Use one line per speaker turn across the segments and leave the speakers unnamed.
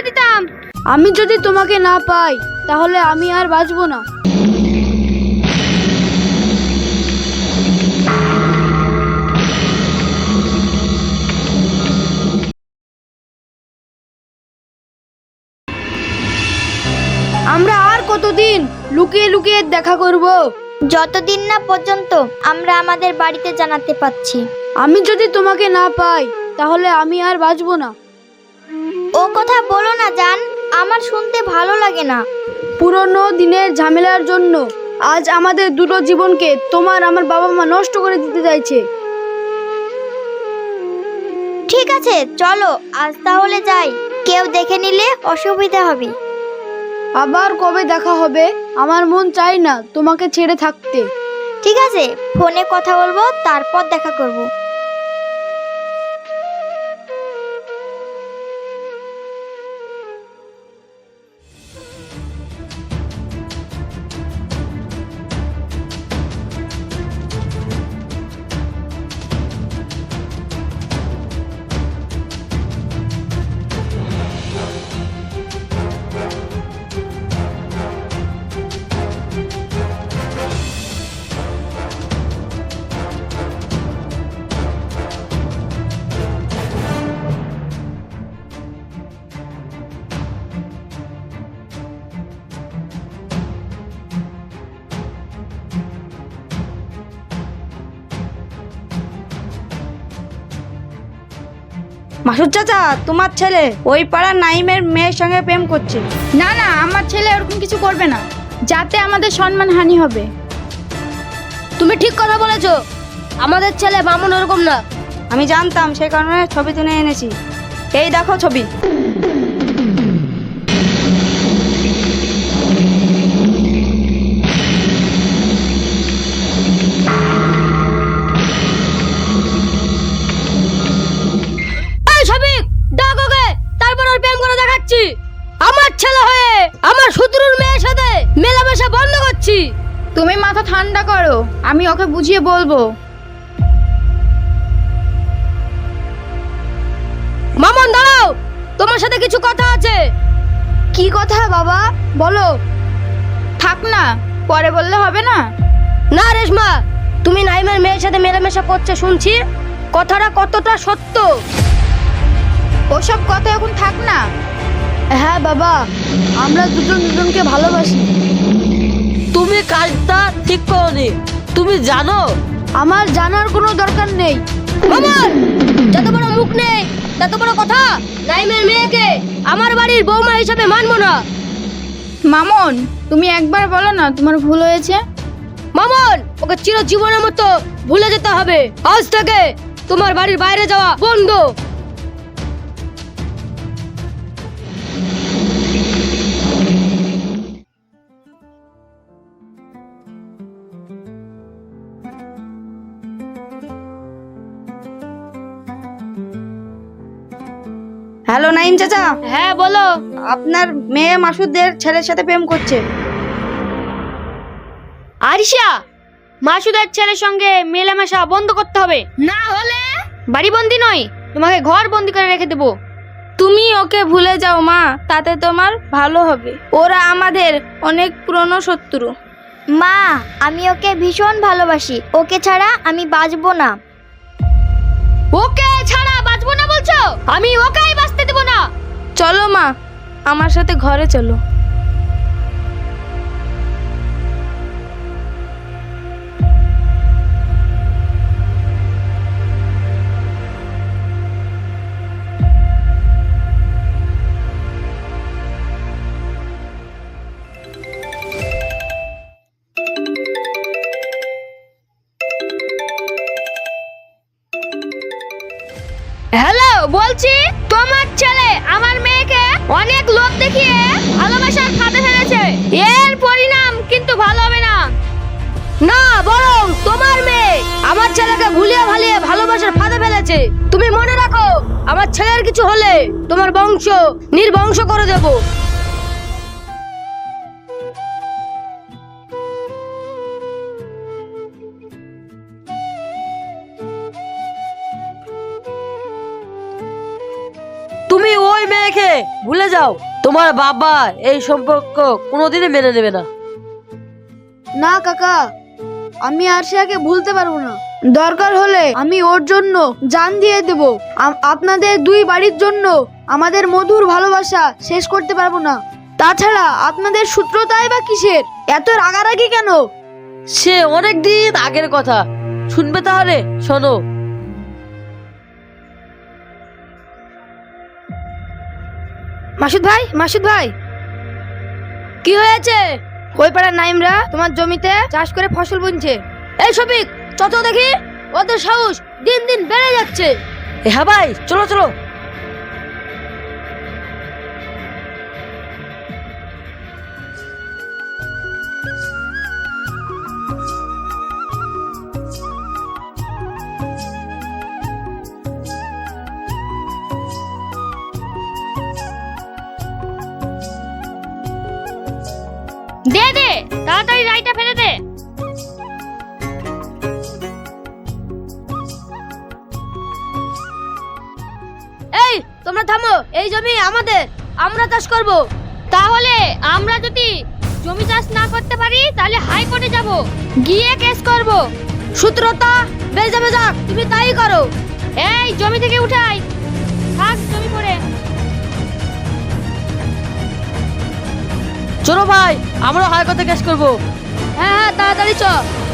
দিতাম।
আমি যদি তোমাকে না পাই তাহলে আমি আর বাঁচবো না। আমরা আর কতদিন লুকিয়ে লুকিয়ে দেখা করব?
যতদিন না পর্যন্ত আমরা আমাদের বাড়িতে জানাতে পাচ্ছি।
আমি যদি তোমাকে না পাই তাহলে আমি আর বাঁচবো না।
ও কথা বলো না জান, আমার শুনতে ভালো লাগে না।
পুরনো দিনের ঝামেলার জন্য আজ আমাদের দুটো জীবনকে তোমার আমার বাবা মা নষ্ট করে দিতে চাইছে।
ঠিক আছে চলো আজ তাহলে যাই, কেউ দেখে নিলে অসুবিধা হবে।
আবার কবে দেখা হবে? আমার মন চাই না তোমাকে ছেড়ে থাকতে।
ঠিক আছে, ফোনে কথা বলবো, তারপর দেখা করব।
মাসুদ চাচা, তোমার ছেলে ওই পাড়ার নাইমের মেয়ের সঙ্গে প্রেম করছে।
না না, আমার ছেলে এরকম কিছু করবে না, যাতে আমাদের সম্মান হানি হবে।
তুমি ঠিক কথা বলেছো, আমাদের ছেলে মামুন ওরকম না।
আমি জানতাম, সেই কারণে ছবি তুলে এনেছি। এই দেখো ছবি।
তারপর ওর প্রেম করে দেখাচ্ছি। আমার ছেলে হয়ে আমার শত্রুর মেয়ের সাথে মেলামেশা বন্ধ করছি।
তুমি মাথা ঠান্ডা করো, আমি ওকে বুঝিয়ে বলবো।
মামুন দাঁড়াও, তোমার সাথে কিছু কথা আছে। কি কথা বাবা, বলো।
থাক না, পরে বললে হবে না?
না রেশমা, তুমি নাইমের মেয়ের সাথে মেলামেশা করছে শুনছি, কথাটা কতটা সত্য?
ওসব কথা এখন থাক না।
হ্যাঁ বাবা, আমরা দুজন দুজনকে ভালোবাসি।
তুমি কাজটা ঠিক করোনি, তুমি জানো।
আমার জানার কোনো দরকার নেই। মামুন, যত বড় মুখ নেই তত বড় কথা। নাইমের মেয়েকে আমার বাড়ির বৌমা হিসেবে মানবো না।
মামুন, তুমি একবার বলো না তোমার ভুল হয়েছে।
মামুন, ওকে চিরজীবনের মতো ভুলে যেতে হবে। আজ থেকে তোমার বাড়ির বাইরে যাওয়া বন্ধ।
হ্যালো নাইম চাচা,
হ্যাঁ বলো।
আপনার মেয়ে মাসুদের ছেলের সাথে প্রেম করছে।
আরিশা, মাসুদের ছেলের সঙ্গে মেলামেশা বন্ধ করতে হবে, না হলে বাড়ি বন্দি নয়, তোমাকে ঘর বন্দি করে রেখে দেবো।
তুমি ওকে ভুলে যাও মা, তাতে তোমার ভালো হবে। ওরা আমাদের অনেক পুরনো শত্রু।
মা, আমি ওকে ভীষণ ভালোবাসি, ওকে ছাড়া আমি বাঁচবো না।
ওকে ছাড়া বাঁচবো না বলছো? আমি ওকেই বাঁচতে দেবো না।
চলো মা, আমার সাথে ঘরে চলো।
হ্যালো, বলছি তোমার ছেলে আমার মেয়েকে অনেক লোভ দেখিয়ে ভালোবাসার ফাঁদে ফেলেছে। এর পরিণাম কিন্তু ভালো হবে না। না, বরং তোমার মেয়ে আমার ছেলেকে ভুলিয়ে ভালিয়ে ভালোবাসার ফাঁদে ফেলেছে। তুমি মনে রাখো, আমার ছেলের কিছু হলে তোমার বংশ নির্বংশ করে দেব। তুমি ওই মেয়ে
রেখে ভুলে যাও। তোমার বাবা এই সম্পর্ক কোনোদিনই মেনে নেবে না।
না কাকা, আমি আরশিয়াকে ভুলতে পারবো না। দরকার হলে আমি ওর জন্য জান দিয়ে দেব। আপনাদের দুই বাড়ির জন্য আমাদের মধুর ভালোবাসা শেষ করতে পারবো না। তাছাড়া আপনাদের সূত্রতাই বা কিসের? এত রাগারাগি কেন?
সে অনেক দিন আগের কথা, শুনবে তাহলে শোনো।
মাসুদ ভাই,
কি হয়েছে?
ওই পাড়ার নাইমরা তোমার জমিতে চাষ করে ফসল বুনছে।
এই শফিক, চত দেখি, ওদের সাহস দিন দিন বেড়ে যাচ্ছে।
হ্যাঁ ভাই, চলো চলো।
দে দে, তাড়াতাড়ি রাইটা ফেলে দে। এই তোমরা থামো, এই জমি আমাদের, আমরা চাষ করব। তাহলে আমরা যদি জমি চাষ না করতে পারি তাহলে হাইকোর্টে যাব, গিয়ে কেস করব। সূত্রতা বেজা বেজা, তুমি তাই করো। এই জমি থেকে উঠাই, থাক জমি পড়ে।
চলো ভাই, আমরা হাইকোর্টে কেস করব।
হ্যাঁ হ্যাঁ, তাড়াতাড়ি চ।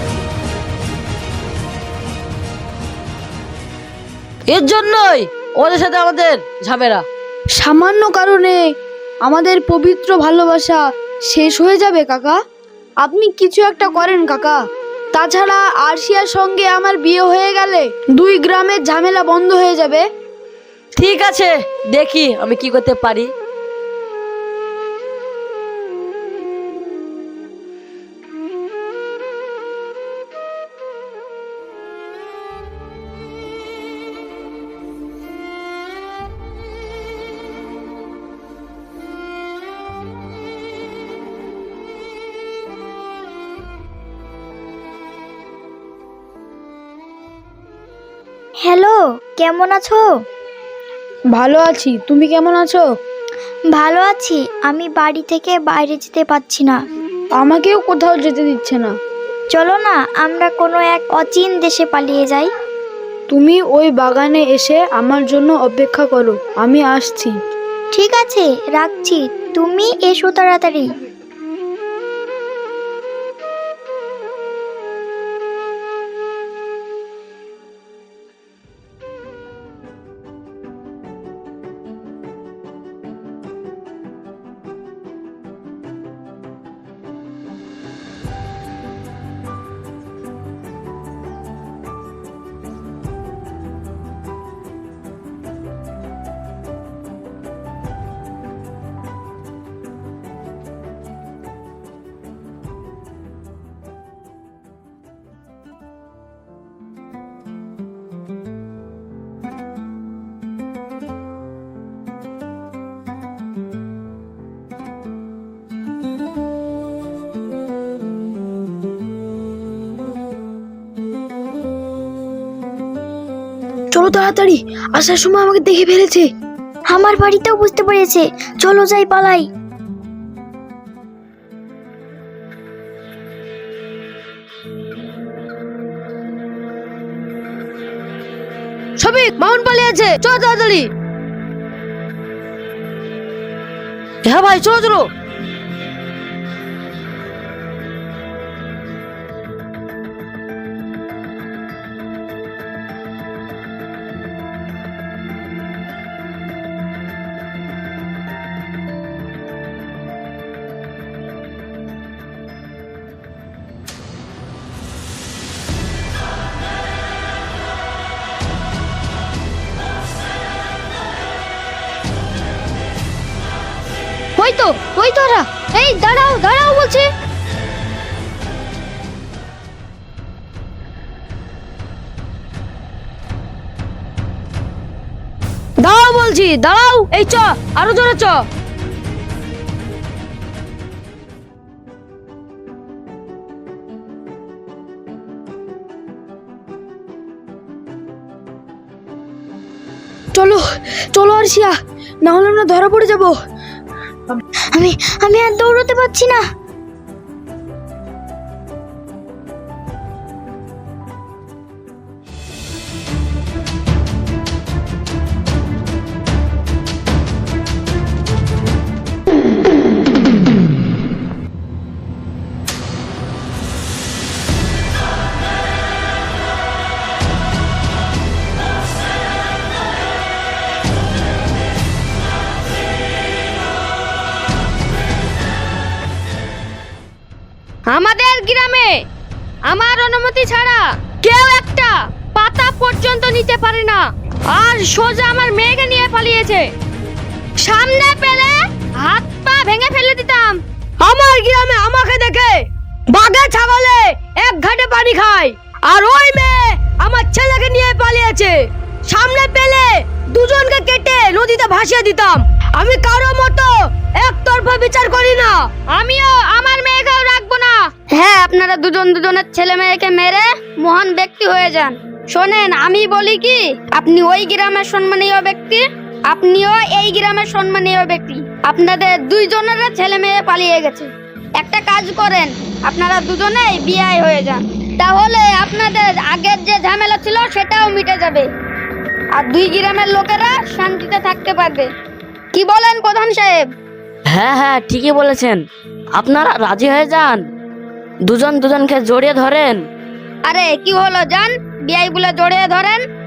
এর জন্যই ওদের সাথে আমাদের ঝামেলা।
সামান্য কারণে আমাদের পবিত্র ভালোবাসা শেষ হয়ে যাবে কাকা? আপনি কিছু একটা করেন কাকা। তাছাড়া আরশিয়ার সঙ্গে আমার বিয়ে হয়ে গেলে দুই গ্রামের ঝামেলা বন্ধ হয়ে যাবে।
ঠিক আছে, দেখি আমি কি করতে পারি।
হ্যালো, কেমন আছো?
ভালো আছি, তুমি কেমন আছো?
ভালো আছি। আমি বাড়ি থেকে বাইরে যেতে পারছি না।
আমাকেও কোথাও যেতে দিচ্ছে না।
চলো না আমরা কোনো এক অচিন দেশে পালিয়ে যাই।
তুমি ওই বাগানে এসে আমার জন্য অপেক্ষা করো, আমি আসছি।
ঠিক আছে, রাখছি। তুমি এসো তাড়াতাড়ি।
চলো তাড়াতাড়ি, আসার সময় আমাকে দেখে ফেলেছে।
আমার বাড়িতেও বুঝতে পেরেছে। চলো যাই, পালাই।
শফিক, মাউন্ট পালিয়েছে, চল তাড়াতাড়ি।
হ্যাঁ ভাই, চলো চলো।
ওই তো ওরা। এই দাঁড়াও দাঁড়াও বলছি। দাঁড়াও বলছি, দাঁড়াও। এই চ, আরো জোরে চ।
চলো চলো আরশিয়া, না হলে আমরা ধরা পড়ে যাব।
আমি আমি আর দৌড়তে পারছি না।
আমাদের গ্রামে আমার অনুমতি ছাড়া কেউ একটা পাতা পর্যন্ত নিতে পারে না, আর সোজা আমার মেয়েকে নিয়ে পালিয়েছে। সামনে পেলে হাত পা ভেঙে ফেলে দিতাম।
আমার গ্রামে আমাকে দেখে বাঘে ছাগলে এক ঘাটে পানি খায়, আর ওই মেয়ে আমার ছেলেকে নিয়ে পালিয়েছে। সামনে পেলে দুজনকে কেটে নদীতে ভাসিয়ে দিতাম। আমি কারো মতো একতরফা বিচার করি না।
আমিও আমার মেয়েকেও রাখবো না।
হ্যাঁ, আপনারা দুজন দুজনের ছেলে মেয়েকে মেরে মহান ব্যক্তি হয়ে যান। শোনেন, আমি বলি কি, আপনি ওই গ্রামের সম্মানীয় ব্যক্তি, আপনিও এই গ্রামের সম্মানীয় ব্যক্তি। আপনাদের দুইজনের ছেলে মেয়ে পালিয়ে গেছে। একটা কাজ করেন, আপনারা দুজনেই বিয়ে হয়ে যান, তাহলে আপনাদের আগের যে ঝামেলা ছিল সেটাও মিটে যাবে, আর দুই গ্রামের লোকেরা শান্তিতে থাকতে পারবে। কি বলেন প্রধান সাহেব?
হ্যাঁ হ্যাঁ, ঠিকই বলেছেন। আপনারা রাজি হয়ে যান, দুজন দুজনকে জড়িয়ে ধরেন।
আরে কি হলো, যান বিয়াই বলে জড়িয়ে ধরেন।